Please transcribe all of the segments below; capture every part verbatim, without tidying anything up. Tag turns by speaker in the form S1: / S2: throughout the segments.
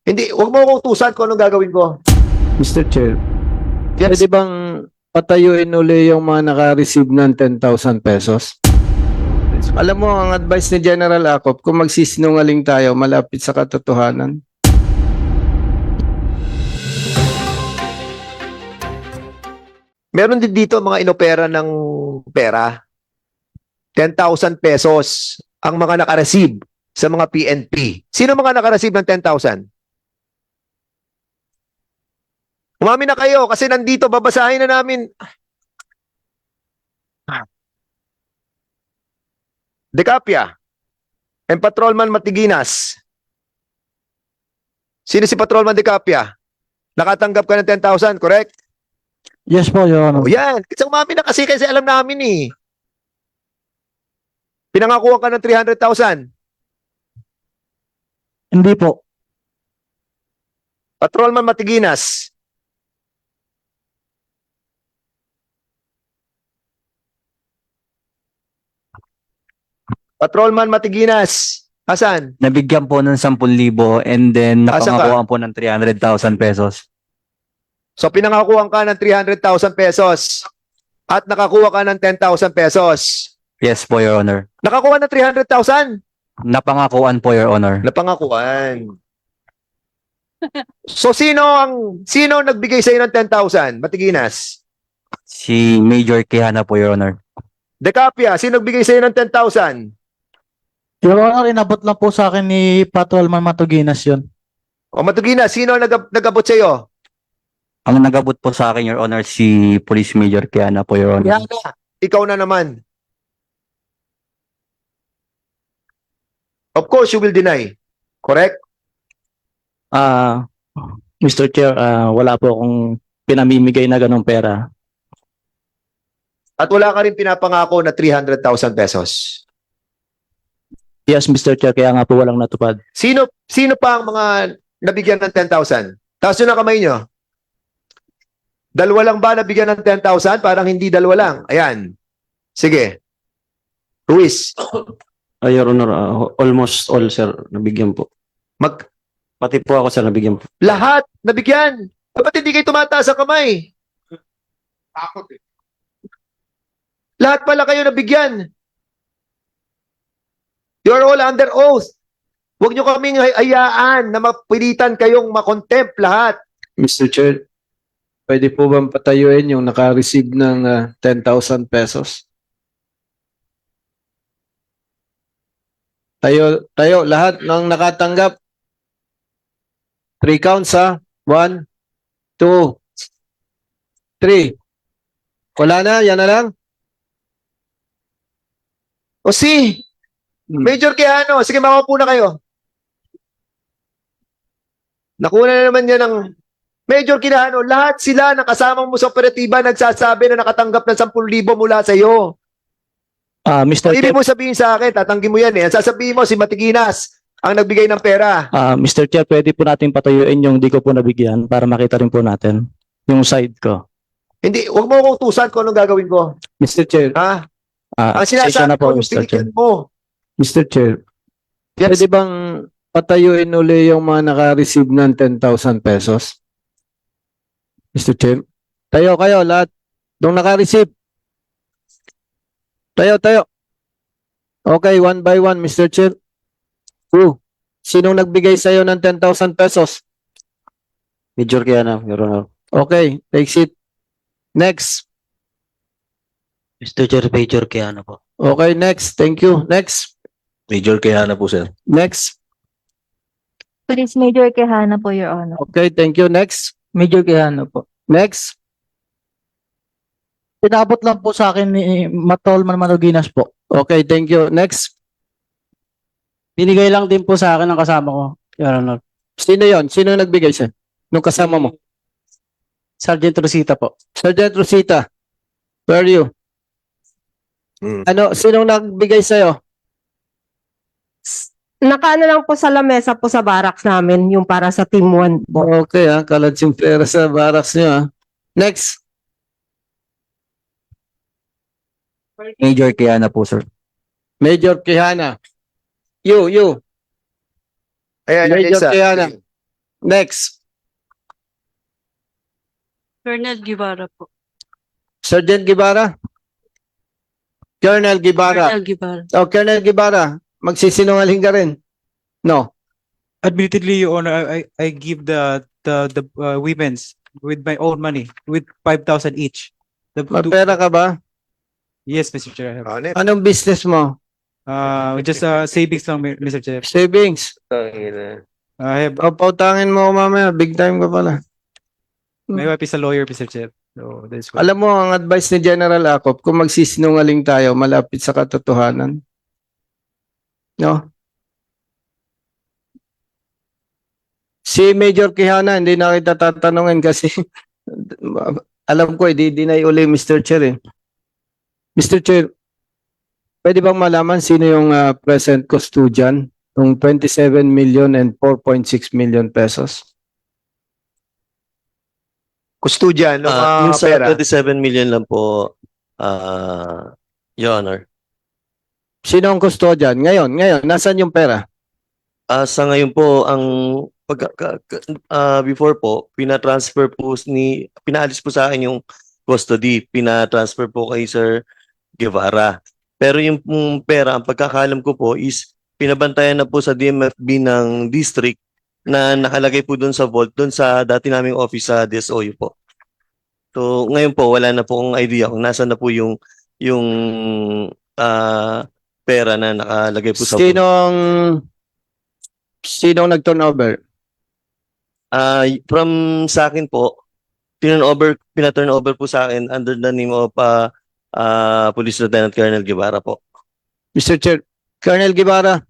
S1: Hindi, huwag mo akong utusan kung anong gagawin ko.
S2: Mister Chair,
S1: Yes.
S2: pwede bang patayuin uli yung mga naka-receive ng ten thousand pesos? Alam mo, ang advice ni General Acop, kung magsisinungaling tayo, malapit sa katotohanan.
S1: Meron din dito mga inopera ng pera. ten thousand pesos ang mga nakareceive sa mga P N P. Sino mga nakareceive ng ten thousand? Umami na kayo kasi nandito, babasahin na namin. Decapia and Patrolman Matiginas. Sino si Patrolman Decapia? Nakatanggap ka ng ten thousand, correct?
S3: Yes po, Your Honor.
S1: O yan. Kasi umami na kasi kasi alam namin eh. Pinangakuha ka ng three hundred thousand.
S3: Hindi po.
S1: Patrolman Matiginas. Patrolman Matiginas. Asan?
S4: Nabigyan po ng ten thousand and then
S1: Asa ka?
S4: napangakuan po ng three hundred thousand pesos.
S1: So pinangakuha ka ng three hundred thousand pesos at nakakuha ka ng ten thousand pesos.
S4: Yes po, Your Honor.
S1: Nakakuha ng three hundred thousand?
S4: Napangakuan po, Your Honor.
S1: Napangakuan. So sino ang sino ang nagbigay sa iyo ng ten thousand? Matiginas.
S4: Si Major Quijana po, Your Honor.
S1: Decapia, sino nagbigay sa iyo ng ten thousand?
S3: Your Honor, inabot lang po sa akin ni Patrolman Matuginas yun.
S1: O Matiginas, sino ang nag nagabot sa iyo?
S4: Ang nagabot po sa akin, Your Honor, si Police Major Quijana po, Your Honor.
S1: Yan na. Ikaw na naman. Of course, you will deny. Correct?
S3: Ah, Mister Chair, ah, wala po akong pinamimigay na ganong pera.
S1: At wala ka rin pinapangako na three hundred thousand pesos.
S3: Yes, Mister Chair, kaya nga po walang natupad.
S1: Sino sino pa ang mga nabigyan ng ten thousand? Taas nyo na kamay nyo. Dalawa lang ba nabigyan ng ten thousand? Parang hindi dalawa lang. Ayan. Sige. Ruiz,
S5: Uh, Your Honor, uh, almost all, sir, nabigyan po.
S1: mag,
S5: Pati po ako, sir, nabigyan po.
S1: lahat nabigyan. Dapat hindi kayo tumataas ang kamay. Lahat pala kayo nabigyan. You're all under oath. Huwag nyo kaming hayaan na mapilitan kayong makontempt lahat.
S2: Mister Chair, pwede po bang patayuin yung naka-receive ng ah, ten thousand pesos? Tayo, tayo, lahat ng nakatanggap. Three counts ha. One, two, three. Wala na, yan na lang.
S1: O si, Major Quijano, sige makaupo na kayo. Nakuha na naman niya ng Major Quijano, lahat sila na kasama mo sa operatiba nagsasabi na nakatanggap ng ten thousand mula sa iyo.
S3: Ah, Mister
S1: Ibig
S3: Chair,
S1: mo sabihin sa akin, tatanggi mo yan eh. Ang sasabihin mo, si Matiginas ang nagbigay ng pera.
S3: ah, Mister Chair, pwede po natin patayuin yung di ko po nabigyan para makita rin po natin yung side ko.
S1: Hindi, huwag mo akong utusan kung anong gagawin ko.
S2: Mister Chair,
S1: Ha?
S3: Ah,
S1: Ang
S3: pasensya
S1: sinasabi
S3: na
S1: ko,
S3: po,
S1: yung
S3: Mister Chair.
S1: binigyan mo.
S2: Mister Chair,
S1: Yes.
S2: pwede bang patayuin uli yung mga naka-receive ng ten thousand pesos? Mister Chair, tayo kayo lahat. Nung naka-receive. Tayo, tayo. Okay, one by one, Mister Chair. Who? Sinong nagbigay sa iyo ng ten thousand pesos?
S5: Major Quijana, Your Honor.
S2: Okay, take seat. Next.
S6: Mister Chair, Major Quijano po.
S2: Okay, next. Thank you. Next.
S7: Major Quijana po, sir.
S2: Next.
S8: Police Major Quijana po, Your Honor.
S2: Okay, thank you. Next.
S3: Major Quijano po.
S2: Next.
S3: Pinabot lang po sa akin ni Patrolman Matuginas po.
S2: Okay, thank you. Next.
S3: Binigay lang din po sa akin ng kasama ko, Your Honor.
S2: Sino yon? Sino nagbigay siya? Nung kasama mo?
S3: Sergeant Rosita po.
S2: Sergeant Rosita. Where are you?
S1: Hmm.
S2: Ano, sinong nagbigay sa'yo?
S9: Nakaano lang po sa lamesa po sa barracks namin, yung para sa Team one po.
S2: Okay ha, kaladsing pera sa barracks niyo ha. Next.
S4: Major Quijana po, sir.
S2: Major Quijana. You, you.
S1: Ayan,
S2: Major
S1: isa.
S2: Quijana. Next,
S10: Colonel Guevara po.
S2: Sergeant Guevara. Colonel Guevara.
S10: Colonel Guevara.
S2: Oh, Colonel Guevara, magsisinungaling ka rin. No.
S11: Admittedly, Your Honor, I, I I give the the the uh, women's with my own money, with five thousand each. The,
S2: May
S11: two-
S2: pera ka ba?
S11: yes, Mister Chair. I have.
S1: Oh, next.
S2: Anong business mo?
S11: Uh, just uh, savings lang, Mister Chair.
S2: Savings.
S11: I have
S2: O, pautangin mo mamaya. Big time ka pala.
S11: my wife is a lawyer, Mister Chair. So that's why.
S2: Alam mo, ang advice ni General Acop, kung magsisinungaling tayo, malapit sa katotohanan. No? Si Major Quijana, hindi na kita tatanungin kasi alam ko, i-deny uli Mister Chair eh. Mister Chair, pwede bang malaman sino yung uh, present custodian ng twenty-seven million and four point six million pesos?
S1: Custodian ng
S7: Ah,
S1: mga
S7: yung sa
S1: pera.
S7: twenty-seven million lang po, ah, Your Honor.
S2: Sino ang custodian? Ngayon, ngayon, nasan yung pera?
S7: Ah, sa ngayon po, ang pag, ka- ka- ah, before po, pina-transfer po ni, pinaalis po sa akin yung custody, pina-transfer po kay Sir Guevara. Pero yung pong pera, ang pagkakalam ko po is pinabantayan na po sa D M F B ng district na nakalagay po doon sa vault, doon sa dati naming office sa D S O U po. So ngayon po, wala na po akong idea kung nasaan na po yung yung ah, pera na nakalagay po sa vault.
S2: Sinong sinong nag-turnover?
S7: Ah, from sa akin po, turn over, pina-turn over po sa akin under the name of ah, ah, Police Lieutenant Colonel Guevara po.
S2: Mister Chair, Colonel Guevara,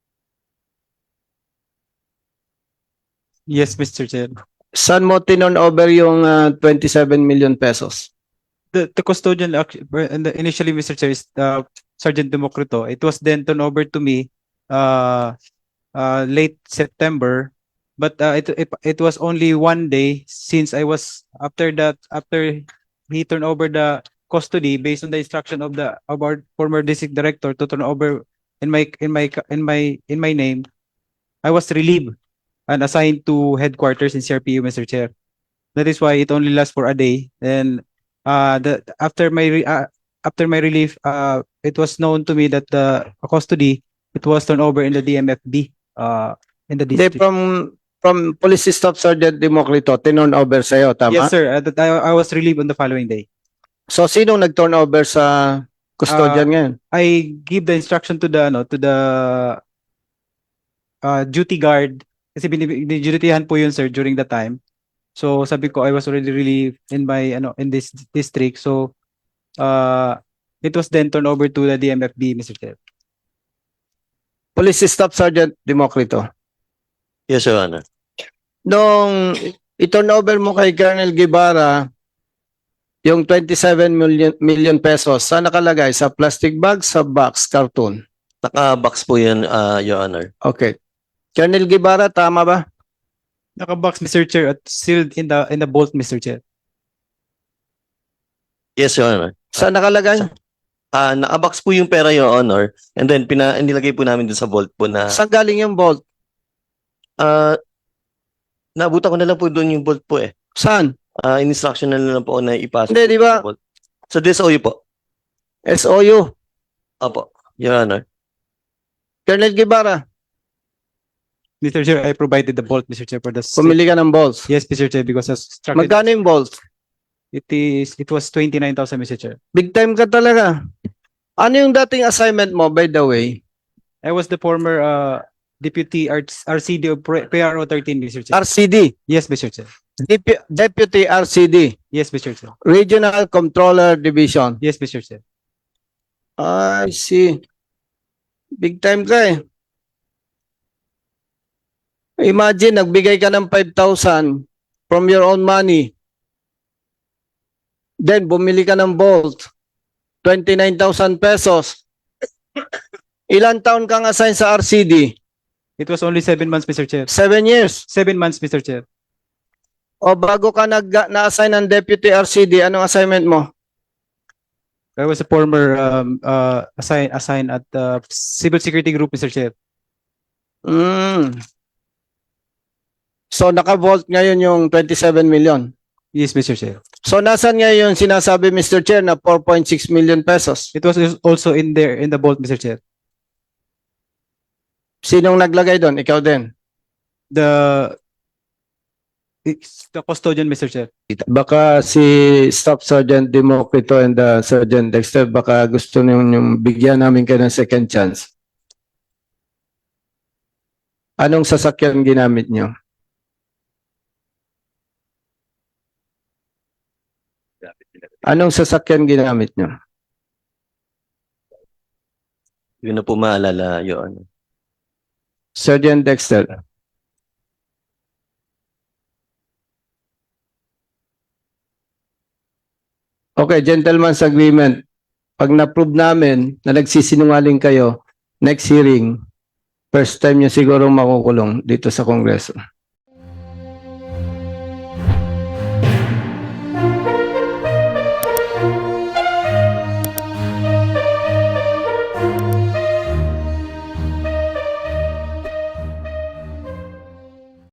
S11: Yes, Mister Chair.
S2: saan mo tinon over yung uh, twenty-seven million pesos?
S11: The the custodian act- and the- initially, Mister Chair, is uh, Sergeant Democrito. It was then turned over to me uh, uh, late September, but uh, it, it it was only one day since I was after that after he turned over the custody based on the instruction of the of our former district director to turn over in my in my in my in my name. I was relieved and assigned to headquarters in C R P U, Mister Chair. That is why it only lasts for a day. And uh, the after my re- uh, after my relief, uh, it was known to me that the custody it was turned over in the D M F B uh, in the
S2: Hindi,
S11: district.
S2: from from Police Staff Sergeant Democrito, tinon over sa'yo, tama?
S11: Yes, sir. Uh, that I, I was relieved on the following day.
S2: So, sinong nag-turn over sa custodian
S11: Ah,
S2: ngayon?
S11: I give the instruction to the ano to the uh, duty guard kasi binidutihan po yun, sir, during the time. So sabi ko I was already relieved in my ano in this district. So uh it was then turned over to the D M F B, Mister Chair.
S2: Police Staff Sergeant Democrito.
S7: Yes, Your Honor.
S2: Nung i-turn over mo kay Colonel Guevara yung twenty-seven million million pesos, saan nakalagay? Sa plastic bag, sa box, cartoon?
S7: Naka-box po yan, ah, Your Honor.
S2: Okay. Colonel Guevara, tama ba?
S11: Naka-box, Mister Chair, at sealed in the in the vault, Mister Chair.
S7: Yes, Your Honor.
S2: Saan nakalagay?
S7: Ah, naka-box po yung pera, Your Honor. And then, pina, nilagay po namin dun sa vault po na,
S2: Saan galing yung vault?
S7: ah, nabutan ko na lang po doon yung vault po eh.
S2: Saan?
S7: Ah, in-instruction na lang po na ipasok.
S2: Hindi,
S7: po
S2: di ba?
S7: sa vault. Sa D S O U po.
S2: S O U.
S7: Opo, Your Honor.
S2: Colonel Guevara,
S11: Mister Chair, I provided the vault, Mister Chair, for the
S2: pumili ka ng balls.
S11: yes, Mister Chair, because as instructed,
S2: Magkano yung balls?
S11: it is it was twenty-nine thousand, Mister Chair.
S2: Big time ka talaga. Ano yung dating assignment mo, by the way?
S11: I was the former uh deputy R C D of P R O thirteen, Mister Chair.
S2: R C D.
S11: Yes, Mister Chair.
S2: Dep- Deputy R C D.
S11: Yes, Mister Chair.
S2: Regional Controller Division.
S11: Yes, Mister Chair.
S2: I see. Big time ka eh. Imagine, nagbigay ka ng five thousand from your own money. Then, bumili ka ng Bolt. twenty-nine thousand pesos. Ilan taon kang assign sa R C D?
S11: It was only seven months, Mister Chair.
S2: Seven years.
S11: Seven months, Mister Chair.
S2: O bago ka nag na-assign ng Deputy R C D, anong assignment mo?
S11: I was a former um, uh, assign assigned at the Civil Security Group, Mister Chair.
S2: Mm. So naka-vault ngayon yung twenty-seven million.
S11: Yes, Mister Chair.
S2: So nasan ngayon yung sinasabi, Mister Chair, na four point six million pesos?
S11: It was also in there in the vault, Mister Chair.
S2: Sinong naglagay doon? Ikaw din.
S11: The it's the custodian, Mister Chair.
S2: Baka si Staff Sergeant Democrito and the Sergeant Dexter, baka gusto nyo yung bigyan namin kayo ng second chance. Anong sasakyan ginamit nyo? Anong sasakyan ginamit nyo?
S7: Yun na po maalala, Your Honor.
S2: Sergeant Dexter. Okay, gentleman's agreement. Pag na-prove namin na nagsisinungaling kayo, next hearing, first time nyo siguro makukulong dito sa Kongreso.